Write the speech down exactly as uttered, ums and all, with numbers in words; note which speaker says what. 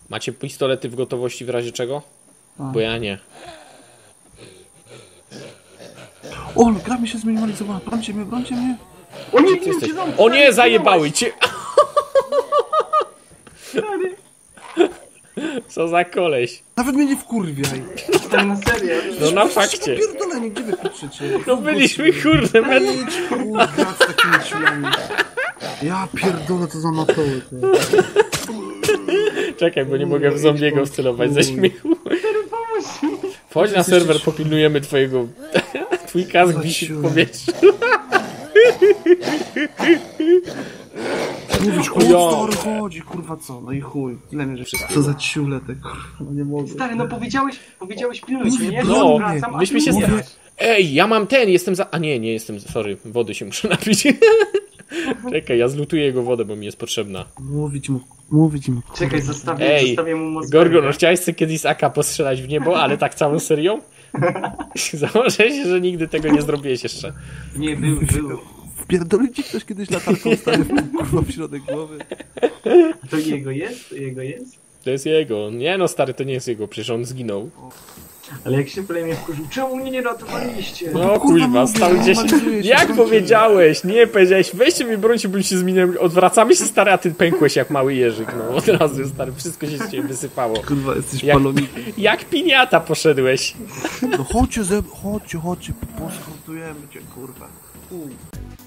Speaker 1: Macie pistolety w gotowości w razie czego?
Speaker 2: A.
Speaker 1: Bo ja nie.
Speaker 2: O, gra mi się zminimalizowała. Brońcie mnie, brońcie mnie.
Speaker 3: O nie,
Speaker 1: Ty jesteś...
Speaker 3: nie,
Speaker 1: O nie, zajebały cię! Co za koleś.
Speaker 2: Nawet mnie nie wkurwiaj.
Speaker 3: Stary, na serio.
Speaker 1: No na fakcie.
Speaker 2: Pierdolenie, gdzie wy patrzycie?
Speaker 1: No byliśmy kurde, men...
Speaker 2: Idź, kurwa, z takimi ciulami. Ja pierdolę, to za matoły, ty.
Speaker 1: Czekaj, bo nie mogę w zombiego wcelować ze śmiechu. Wchodź na serwer, popilnujemy twojego... Twój kask wisi w powietrzu.
Speaker 2: Mówisz, kurwa, stary chodzi, kurwa co? No i chuj, tyle mnie, że co za ciule te, kurwa, no nie mogę.
Speaker 3: Stary, no powiedziałeś, powiedziałeś pilnuj mnie, nie?
Speaker 1: No,
Speaker 3: wracam, a
Speaker 1: myśmy
Speaker 3: ty
Speaker 1: się...
Speaker 3: nie
Speaker 1: sta-
Speaker 3: grasz.
Speaker 1: Ej, ja mam ten, jestem za... A nie, nie jestem... Sorry, wody się muszę napić. Czekaj, ja zlutuję jego wodę, bo mi jest potrzebna.
Speaker 2: Mówić mu, mówić mu. Kurwa.
Speaker 3: Czekaj, zostawię,
Speaker 1: Ej,
Speaker 3: zostawię mu moc.
Speaker 1: Gorgon, no chciałeś sobie kiedyś z A K postrzelać w niebo, ale tak całą serią? Założę się, że nigdy tego nie zrobiłeś jeszcze.
Speaker 3: Nie, był, był.
Speaker 2: Wpierdolił ci ktoś kiedyś latarką stary w, kurwa, w środek głowy?
Speaker 3: To jego jest? To jego jest?
Speaker 1: To jest jego. Nie no, stary, to nie jest jego, przecież on zginął.
Speaker 3: Ale jak się plemię wkurzył, czemu mnie nie ratowaliście?
Speaker 1: No kuźwa, stał gdzieś... Jak powiedziałeś? Nie, powiedziałeś, weźcie mi brońcie, bym się zmieniał. Odwracamy się, stary, a ty pękłeś jak mały jeżyk, no od razu, stary, wszystko się z ciebie wysypało.
Speaker 2: Kurwa, jesteś
Speaker 1: Jak,
Speaker 2: palonikiem.
Speaker 1: jak piniata poszedłeś.
Speaker 2: No chodźcie, ze... chodźcie, chodźcie, poskontrujemy cię, kurwa. U.